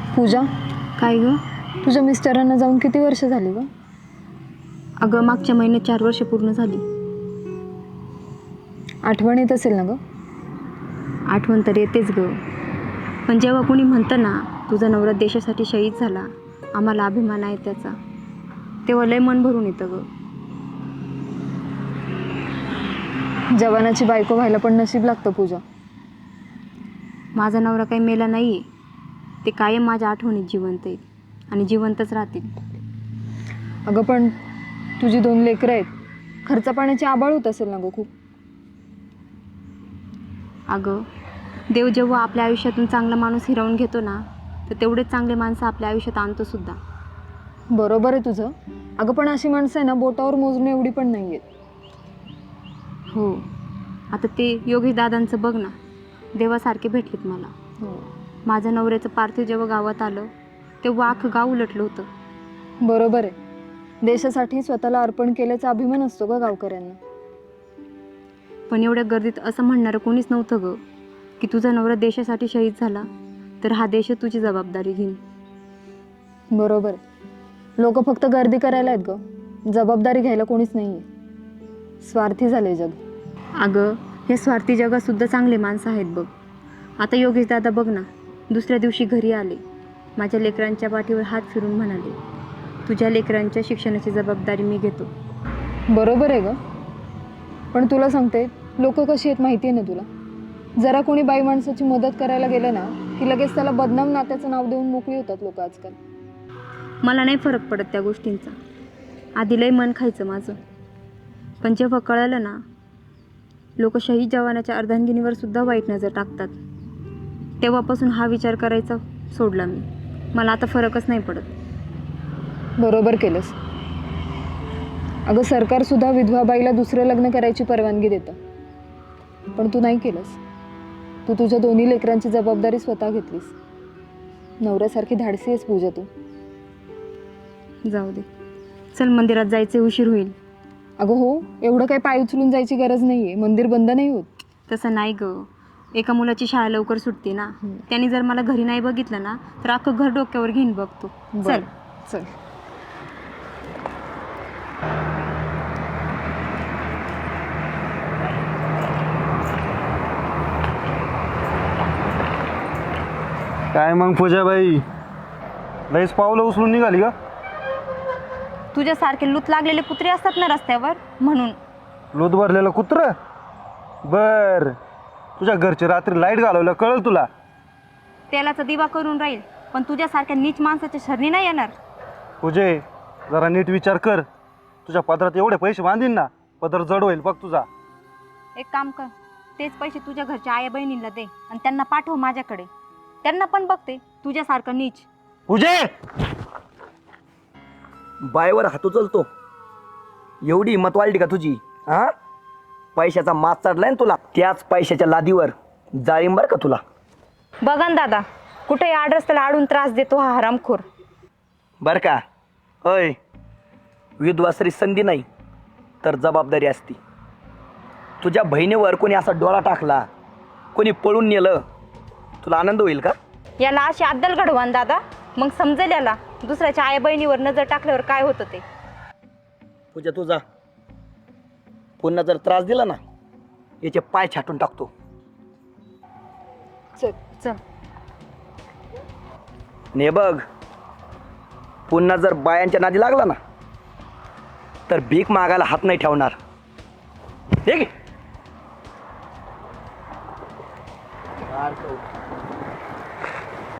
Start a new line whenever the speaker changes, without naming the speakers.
पूजा,
काय ग?
तुझ्या मिस्टरांना जाऊन किती वर्ष झाली ग?
अगं मागच्या महिन्यात 4 वर्ष पूर्ण झाली.
आठवण येत असेल ना ग?
आठवण तर येतेच ग, पण जेव्हा कोणी म्हणतं ना तुझा नवरा देशासाठी शहीद झाला, आम्हाला अभिमान आहे त्याचा, तेव्हा लय मन भरून येतं ग.
जवानाची बायको व्हायला पण नशीब लागतं पूजा.
माझा नवरा काही मेला नाही आहे, ते कायम माझ्या आठवणीत जिवंत आहेत आणि जिवंतच राहतील.
अगं पण तुझी 2 लेकरं आहेत, खर्च पाण्याची आबाळ होत असेल ना ग खूप?
अगं देव जेव्हा आपल्या आयुष्यातून चांगला माणूस हिरावून घेतो ना, तर तेवढेच चांगले माणसं आपल्या आयुष्यात आणतो सुद्धा.
बरोबर आहे तुझं. अगं पण अशी माणसं आहे ना, बोटावर मोजणे एवढी पण नाही आहेत.
हो, आता ते योगेश दादांचं बघ ना, देवासारखे भेटलेत मला. माझ्या नवऱ्याचं पार्थिव जेव्हा गावात आलं तेव्हा अख्खं गाव उलटलं होतं.
बरोबर आहे. देशासाठी स्वतःला अर्पण केल्याचा अभिमान असतो ग गावकऱ्यांना.
पण एवढ्या गर्दीत असं म्हणणारं कोणीच नव्हतं ग, की तुझा नवरा देशासाठी शहीद झाला तर हा देश तुझी जबाबदारी घेईन.
बरोबर. लोक फक्त गर्दी करायला आहेत ग, जबाबदारी घ्यायला कोणीच नाही आहे. स्वार्थी झाले जग.
अगं हे स्वार्थी जगात सुद्धा चांगले माणसं आहेत बघ. आता योगेश दादा बघ ना, दुसऱ्या दिवशी घरी आले, माझ्या लेकरांच्या पाठीवर हात फिरून म्हणाले, तुझ्या लेकरांच्या शिक्षणाची जबाबदारी मी घेतो.
बरोबर आहे ग, पण तुला सांगते, लोक कशी आहेत माहिती आहे ना तुला? जरा कोणी बाई माणसाची मदत करायला गेलं ना, की लगेच त्याला बदनाम नात्याचं नाव देऊन मोकळी होतात लोक आजकाल.
मला नाही फरक पडत त्या गोष्टींचा. आधी लय मन खायचं माझं, पण जेव्हा कळलं ना लोक शहीद जवानाच्या अर्धांगिनीवर सुद्धा वाईट नजर टाकतात, तेव्हापासून हा विचार करायचा सोडला मी. मला आता फरकच नाही पडत.
बरोबर केलंस. अगं सरकारसुद्धा विधवा बाईला दुसरं लग्न करायची परवानगी देतं, पण तू नाही केलंस. तू तुझ्या 2 लेकरांची जबाबदारी स्वतः घेतलीस. नवऱ्यासारखी धाडसी आहेस पूजा तू.
जाऊ दे, चल मंदिरात जायचे, उशीर होईल.
अगं हो, एवढं काही पाय उचलून जायची गरज नाही आहे, मंदिर बंद नाही होत.
तसं नाही ग, एका मुलाची शाळा लवकर सुटते ना, त्यांनी जर मला घरी नाही बघितलं ना तर अख्खं घर डोक्यावर घेऊन बघतो. चल
चल.
काय मग पूजाबाई, लईच पावलं उचलून निघाली का?
तुझ्यासारखे लूत लागलेले कुत्रे असतात ना रस्त्यावर, म्हणून.
लोद भरलेलं कुत्रं? बर, तुझ्या घरची रात्री लाईट घालवलं कळलं तुला?
तेलाचा दिवा करून राहील, पण तुझ्यासारख्या नीच माणसाच्या शरणी नाही येणार.
पूजे, जरा नीट विचार कर. तुझ्या पदरात एवढे पैसे बांधीन ना, पदर जड होईल बघ तुझा.
एक काम कर, तेच पैसे तुझ्या घरच्या आया बहिणींना दे आणि त्यांना पाठव माझ्याकडे. त्यांना पण बघते तुझ्यासारखं नीच.
पूजे,
बायवर हात उचलतो, एवढी हिंमत वाढली का तुझी? हा, पैशाचा मास चढलाय ना तुला, त्याच पैशाच्या लादीवर जाळीम बर का तुला.
बघा ना दादा, कुठे आड रस्त्याला आडून त्रास देतो हा हरामखोर.
बर का? अय, विधवासरी संधी नाही तर जबाबदारी असती. तुझ्या बहिणीवर कोणी असा डोळा टाकला, कोणी पळून नेलं, तुला आनंद होईल का?
याला अशी अद्दल घडवान दादा, मग समजेल याला दुसऱ्याच्या आई बहिणीवर नजर टाकल्यावर काय होतं ते.
पूजा तुझा पुन्हा जर त्रास दिला ना, याचे पाय छाटून टाकतो.
चल.
चल.
आणि हे बघ, पुन्हा जर बायांच्या नादी लागला ना, तर भीक मागायला हात नाही ठेवणार. ठीक आहे?